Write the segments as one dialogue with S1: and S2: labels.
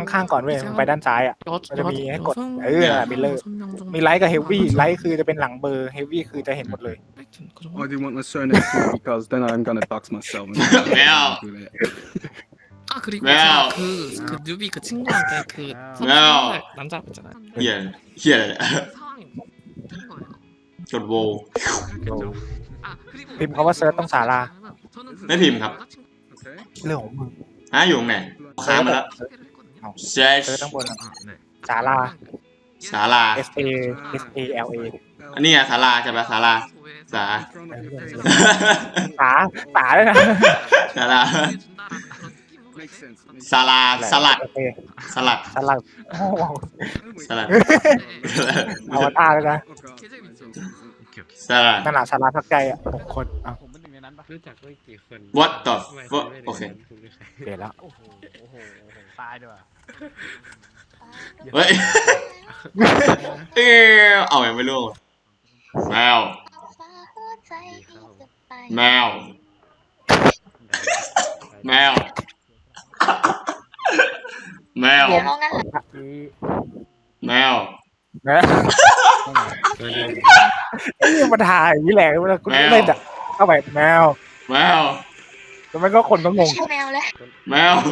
S1: ข้างๆก่อนเว้ยมึงไปด้านซ้ายอ่ะมันจะมีให้กดมิลเลอร์มีไลท์กับเฮฟวี่ไลท์คือจะเป็นหลังเบอร์เฮฟวี่คือจะเห็นหมดเลย
S2: I do want my surname too because then I'm gonna dox myself.
S3: Mel.
S4: 아 그리고
S3: Mel.
S4: 제가 그 뉴비 그 친구한테 그
S3: Mel.
S4: 남자 있잖아요.
S3: เฮียอะไรเนี่ย
S4: 상황이 된 거예요.
S3: กดโว
S4: 아 그리고
S1: พิมพ์คำว่าเซิร์ชต้องสารา
S4: 저는 그
S3: ไม่พิมพ์ครับ
S2: Okay.
S1: เรื่องของมึง
S3: อยู่ตรงไหนค้างมาแล้ว
S4: 소개를 했거든요.
S3: เซิร์ช
S1: เซิร์ชต้องบน
S4: 아 네.
S1: สารา
S3: ศาลา
S1: S A S A L A
S3: อันนี้ไงศาลาใช่ปะศาลา สา
S1: สาด้วยนะ
S3: ศาลา
S2: Makes sense.
S3: ศาลาสลัด
S1: โอเค
S3: สลัด
S1: สลัดโอ้โห
S3: สลัด
S1: อวตารเลยนะ
S3: สลัด
S1: นั่นแหละสาราพักใจอ่ะ6 คนอ่ะ
S5: ผมเป็นหนึ่งในนั้นปะรู้จักด้วยกี่คน
S3: what the fuck โอเค
S1: เปลี่ยนแล้ว
S5: โอ้โหตายด้วย
S3: เฮ้ยเอาอย่างไม่รู้แมว แมว แมว แมว แมว
S1: นะไอ้นี่มาถ่ายอย่างนี้แหละเวลากูเล่นอ่ะเข้าไปแมว
S3: แมว
S1: แล้วมันก็คนก็งง
S6: ไม่ใช่แมวแล้ว
S3: แมว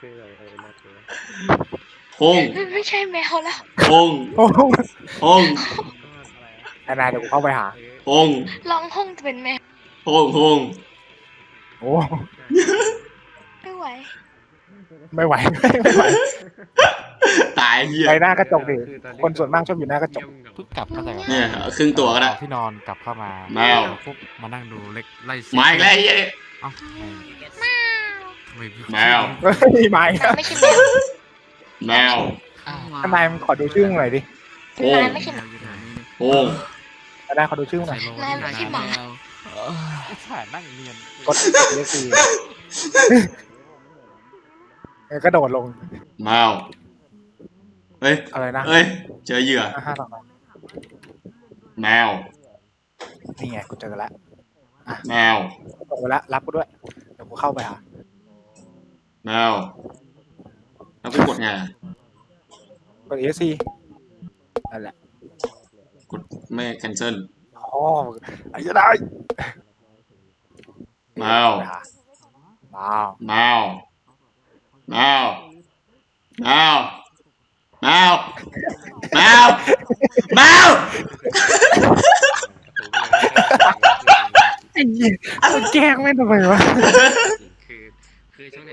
S3: พง
S6: ไม่ใช่แมวแล้ว
S3: พง
S1: โอ้โห
S3: พง
S1: นายเดี๋ยวกูเข้าไปหา
S3: พง
S6: ร้องห้องจะเป็นแมว
S3: พงพง
S1: โอ้
S6: ไม่ไหว
S1: ไม่ไหวไม่ไหว
S3: ตายเหี้ย
S1: ไปหน้ากระจกดิคนส่วนมากชอบอยู่หน้ากระจก
S5: เพิ่งกลับเข้าใจก่อน
S3: เนี่ยครึ่งตัวก็ได้
S5: ที่นอนกลับเข้ามา
S3: แมว
S5: ปุ๊บมานั่งดูเล็กไล่
S3: มาอีกแล้วไอ้เหี้ย
S5: เอ้าไม่
S3: แมว
S1: เฮ้ยไม่
S6: ไม่ใช่แมว
S3: แมว
S1: ทนายมึงขอดูชื่อมึงหน่อยดิ
S3: พง
S6: นายไม่ใช่หมา
S3: พง
S1: ทนายขอดูชื่อมึงหน่อย
S6: นายไม่ใช่หมา
S5: ถ่ายนั่งเรียน
S1: กดเรียกซีกระโดดลง
S3: แมวเฮ้ย
S1: อะไรนะ
S3: เฮ้ยเจอเหยื่อ
S1: 5 ต่อ
S3: แมว
S1: นี่ไงกูเจอแล้ว
S3: แมว
S1: ตกไปแล้วรับกูด้วยเดี๋ยวกูเข้าไปหา
S3: แมวแล้วกูกดไงอะ
S1: กด ESC นั่นแหละ
S3: กดไม่ cancel
S1: อ๋อไอ้จะได้
S3: แมว
S1: ว้าว
S3: แมว แมว แมว แมว แมว แมว
S1: ไอ้เหี้ยมันแกล้งแม่งทำไมวะ
S4: 그ช่วง